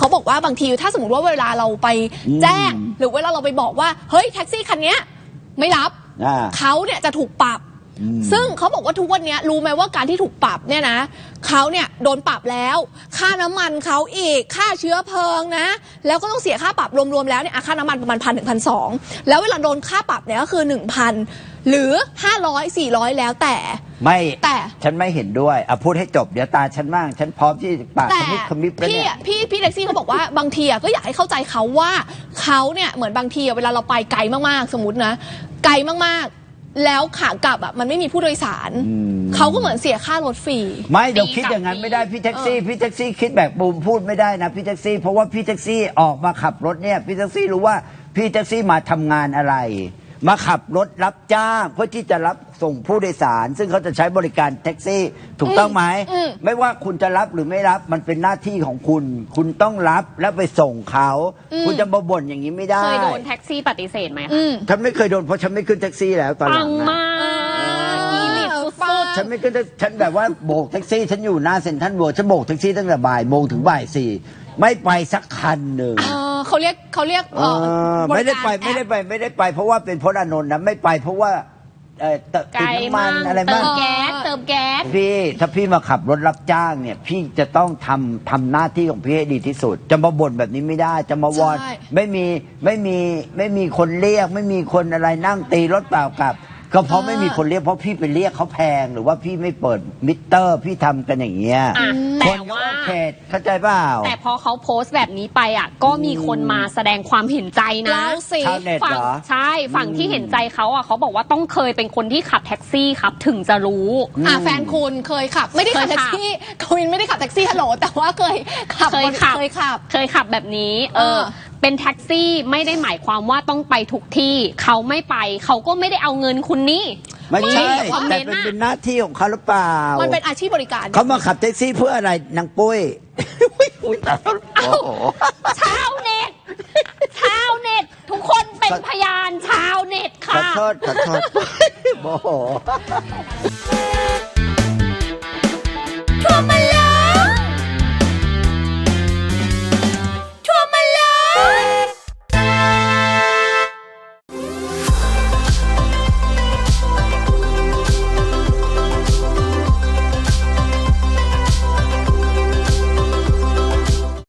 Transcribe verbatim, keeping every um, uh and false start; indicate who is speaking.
Speaker 1: บอกว่าบางทีถ้าสมมติว่าเวลาเราไปแจ้งหรือเวลาเราไปบอกว่าเฮ้ยแท็กซี่คันนี้ไม่รับเขาเนี่ยจะถูกปรับซึ่งเขาบอกว่าทุกวันนี้รู้ไหมว่าการที่ถูกปรับเนี่ยนะเขาเนี่ยโดนปรับแล้วค่าน้ำมันเขาอีกค่าเชื้อเพลิงนะแล้วก็ต้องเสียค่าปรับรวมๆแล้วเนี่ยค่าน้ำมันประมาณพันถึงพันสองแล้วเวลาโดนค่าปรับเนี่ยก็คือหนึ่งพันหรือห้าร้อยสี่ร้อยแล้วแต่
Speaker 2: ไม่
Speaker 1: แต่
Speaker 2: ฉันไม่เห็นด้วยอ่ะพูดให้จบเดี๋ยวตาฉันบ้างฉันพร้อมที่ปากขมิบขมิบแล้วเนี่ย
Speaker 1: พี่พี่แท็กซี่เขาบอกว่าบางทีก็อยากให้เข้าใจเขาว่าเขาเนี่ยเหมือนบางทีเวลาเราไปไกลมากๆสมมตินะไกลมากๆแล้วขากลับอ่ะมันไม่มีผู้โดยสารเขาก็เหมือนเสียค่ารถฟรี
Speaker 2: ไม่เดี๋ยวคิดอย่างนั้นไม่ได้พี่แท็กซี่พี่แท็กซี่คิดแบบบูมพูดไม่ได้นะพี่แท็กซี่เพราะว่าพี่แท็กซี่ออกมาขับรถเนี่ยพี่แท็กซี่รู้ว่าพี่แท็กซี่มาทำงานอะไรมาขับรถรับจ้างเพื่อที่จะรับส่งผู้โดยสารซึ่งเขาจะใช้บริการแท็กซี่ถูกต้องไหมไม่ว่าคุณจะรับหรือไม่รับมันเป็นหน้าที่ของคุณคุณต้องรับแล้วไปส่งเขาคุณจะมาบ่นอย่างนี้ไม่ได้
Speaker 3: เคยโดนแท็กซี่ปฏิเสธไหมคะ
Speaker 2: ฉันไม่เคยโดนเพราะฉันไม่ขึ้นแท็กซี่แล้วตอนหลัง
Speaker 3: นะปังมากอีลิทสุด
Speaker 2: ๆฉันไม่ขึ้นฉันแบบว่าโบกแท็กซี่ฉันอยู่หน้าเซ็นทรัลเวิลด์ฉันโบกแท็กซี่ตั้งแต่บ่ายโมงถึงบ่ายสี่ไม่ไปสักคันหนึ่ง
Speaker 1: เขาเรียกเขาเรียก
Speaker 2: ไม่ได้ไปไม่ได้ไปไม่ได้ไปเพราะว่าเป็นพจน์อานนท์นะไม่ไปเพราะว่าติดน้ำมันอะไรบ้าง
Speaker 3: เติมแก๊สเติมแก๊ส
Speaker 2: พี่ถ้าพี่มาขับรถรับจ้างเนี่ยพี่จะต้องทำทำหน้าที่ของพี่ให้ดีที่สุดจะมาบ่นแบบนี้ไม่ได้จะมาวอนไม่มีไม่มีไม่มีคนเรียกไม่มีคนอะไรนั่งตีรถเปล่ากลับก็เพราะไม่มีคนเรียกเพราะพี่ไปเรียกเขาแพงหรือว่าพี่ไม่เปิดมิเตอร์พี่ทำกันอย่างเงี้ย
Speaker 3: แต่ว่า
Speaker 2: เข้าใจเปล่า
Speaker 3: แต่พอเขาโพสต์แบบนี้ไปอ่ะก็มีคนมาแสดงความเห็นใจนะ
Speaker 2: ชาวเน็ตเหรอ
Speaker 3: ใช่ฝั่งที่เห็นใจเขาอ่ะเขาบอกว่าต้องเคยเป็นคนที่ขับแท็กซี่ครับถึงจะรู้
Speaker 1: อ่ะแฟนคุณเคยขับไม่ได้ขับแท็กซี่คุณไม่ได้ขับแท็กซี่ฮัลโหลแต่ว่าเคยขับ
Speaker 3: เคยขับ
Speaker 1: เคยขับ
Speaker 3: เคยขับแบบนี้เออเป็นแท็กซี่ไม่ได้หมายความว่าต้องไปทุกที่เขาไม่ไปเขาก็ไม่ได้เอาเงินคุณนี่
Speaker 2: ไม่ใช่แต่เป็นเป็นหน้าที่ของเขาหรือเปล่า
Speaker 1: มันเป็นอาชีพบริการ
Speaker 2: เขามาขับแท็กซี่เพื่ออะไรนางปุ้ย
Speaker 3: ชาวเน็ตชาวเน็ตทุกคนเป็นพยานชาวเน็ตค่ะ
Speaker 2: ขอโทษขอโทษโมโห